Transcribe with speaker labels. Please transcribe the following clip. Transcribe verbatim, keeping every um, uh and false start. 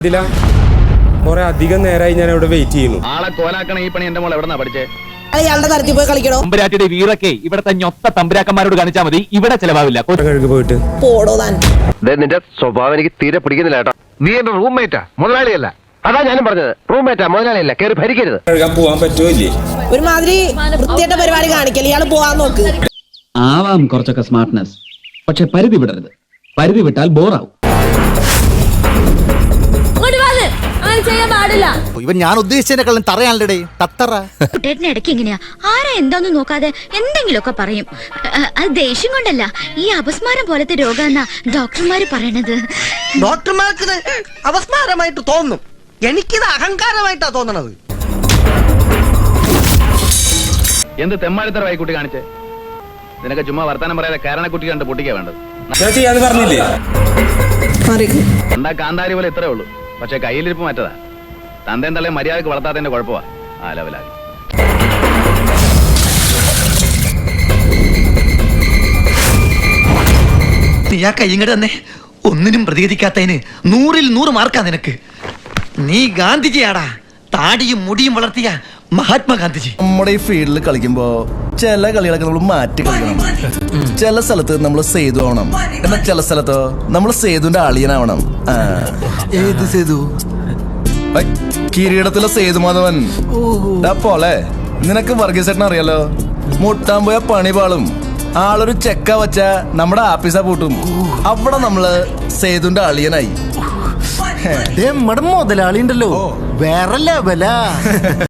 Speaker 1: ഇതില കുറെ അധികം നേരമായി ഞാൻ ഇവിടെ വെയിറ്റ് ചെയ്യുന്നു.
Speaker 2: ആളെ കോലാക്കണ ഈ പണി എന്റെ മോൾ എവിടെന്നാ പഠിച്ചേ?
Speaker 3: അയാളുടെ തരത്തിൽ പോയി കളിക്കണോ?
Speaker 2: തമ്പുരാട്ടിയുടെ വീറൊക്കെ ഇവിടത്തെ ഞൊത്ത തമ്പുരാക്കന്മാരോട് കാണിച്ചാൽ മതി, ഇവിടെ ചെലവാവില്ല.
Speaker 1: കഴുകി പോയിട്ട്
Speaker 3: പോടോ താൻ.
Speaker 4: നിന്റെ സ്വഭാവം എനിക്ക് തീരെ പിടിക്കുന്നില്ല കേട്ടോ. നീ എന്റെ റൂംമേറ്റാ, മുതലാളിയല്ല. അതാ ഞാനും പറഞ്ഞത്, റൂംമേറ്റാ മുതലാളിയല്ല. കയറി ഭരിക്കരുത്.
Speaker 1: കഴുകാൻ പോവാൻ പറ്റുമോ ഇല്ലേ?
Speaker 3: ഒരുമാതിരി വൃത്തിയായിട്ട പരിപാടി കാണിക്കല്. ഇയാള് പോവാൻ നോക്ക്.
Speaker 5: ആവാം കുറച്ചൊക്കെ സ്മാർട്ട്നെസ്, പക്ഷെ പരിധി വിടരുത്. പരിധി വിട്ടാൽ ബോറാവും.
Speaker 6: ഇവൻ ഞാൻ ഉദ്ദേശിച്ചതിനെക്കാളും തറയാണല്ലേ തത്തറ.
Speaker 7: കുട്ടേട്ടന് ഇടയ്ക്ക് എങ്ങനെയാ ആരാ എന്താന്ന് നോക്കാതെ എന്തെങ്കിലുമൊക്കെ പറയും. അത് ദേഷ്യം കൊണ്ടല്ല, ഈ അപസ്മാരം പോലത്തെ രോഗമെന്നാ ഡോക്ടർമാര് പറയണത്.
Speaker 8: ഡോക്ടർമാർക്ക് അപസ്മാരമായിട്ട് തോന്നും, എനിക്കിത് അഹങ്കാരമായിട്ടാ തോന്നണത്.
Speaker 2: എന്ത് തെമ്മാടിത്തര വായിക്കുട്ടി കാണിച്ചേ? നിനക്ക് ചുമ്മാ വർത്താനം പറയാതെ കാരണക്കുട്ടി കണ്ട് പൊട്ടിക്കാ വേണ്ടത്.
Speaker 1: ഞാൻ ചെയ്യാന്ന് പറഞ്ഞില്ലേ?
Speaker 2: എന്താ കാന്താരി പോലെ ഇത്രേ ഉള്ളൂ, പക്ഷെ കയ്യിലിരിപ്പ് മറ്റതാ. തന്തേം തള്ളേ മര്യാദക്ക് വളർത്താത്തതിന്റെ കുഴപ്പമാ ആ ലെവലായി.
Speaker 8: നീ ആ കയ്യങ്ങട് തന്നെ ഒന്നിനും പ്രതികരിക്കാത്തതിന് നൂറിൽ നൂറ് മാർക്കാ നിനക്ക്. നീ ഗാന്ധിജിയാടാ, താടിയും മുടിയും വളർത്തിയ മഹാത്മാഗാന്ധിജി.
Speaker 9: നമ്മുടെ ഈ ഫീൽഡിൽ കളിക്കുമ്പോ ചില കളികളൊക്കെ നമ്മൾ മാറ്റി കളിക്കണം. ചില സ്ഥലത്ത് നമ്മൾ സേതു ആവണം, എന്നാൽ ചില സ്ഥലത്തോ നമ്മൾ സേതുവിന്റെ അളിയനാവണം.
Speaker 6: ഏത് സേതു?
Speaker 9: കിരീടത്തിലെ സേതു മാധവൻ പോലെ. നിനക്ക് വർഗീസേട്ടൻ അറിയാലോ, മുട്ടാൻ പോയ പണി പാളും. ആളൊരു ചെക്ക വച്ച നമ്മുടെ ആപ്പീസ പൂട്ടും. അവിടെ നമ്മള് സേതുവിന്റെ അളിയനായി.
Speaker 6: മുതലാളി ഉണ്ടല്ലോ, വേറെ ലെവലാ.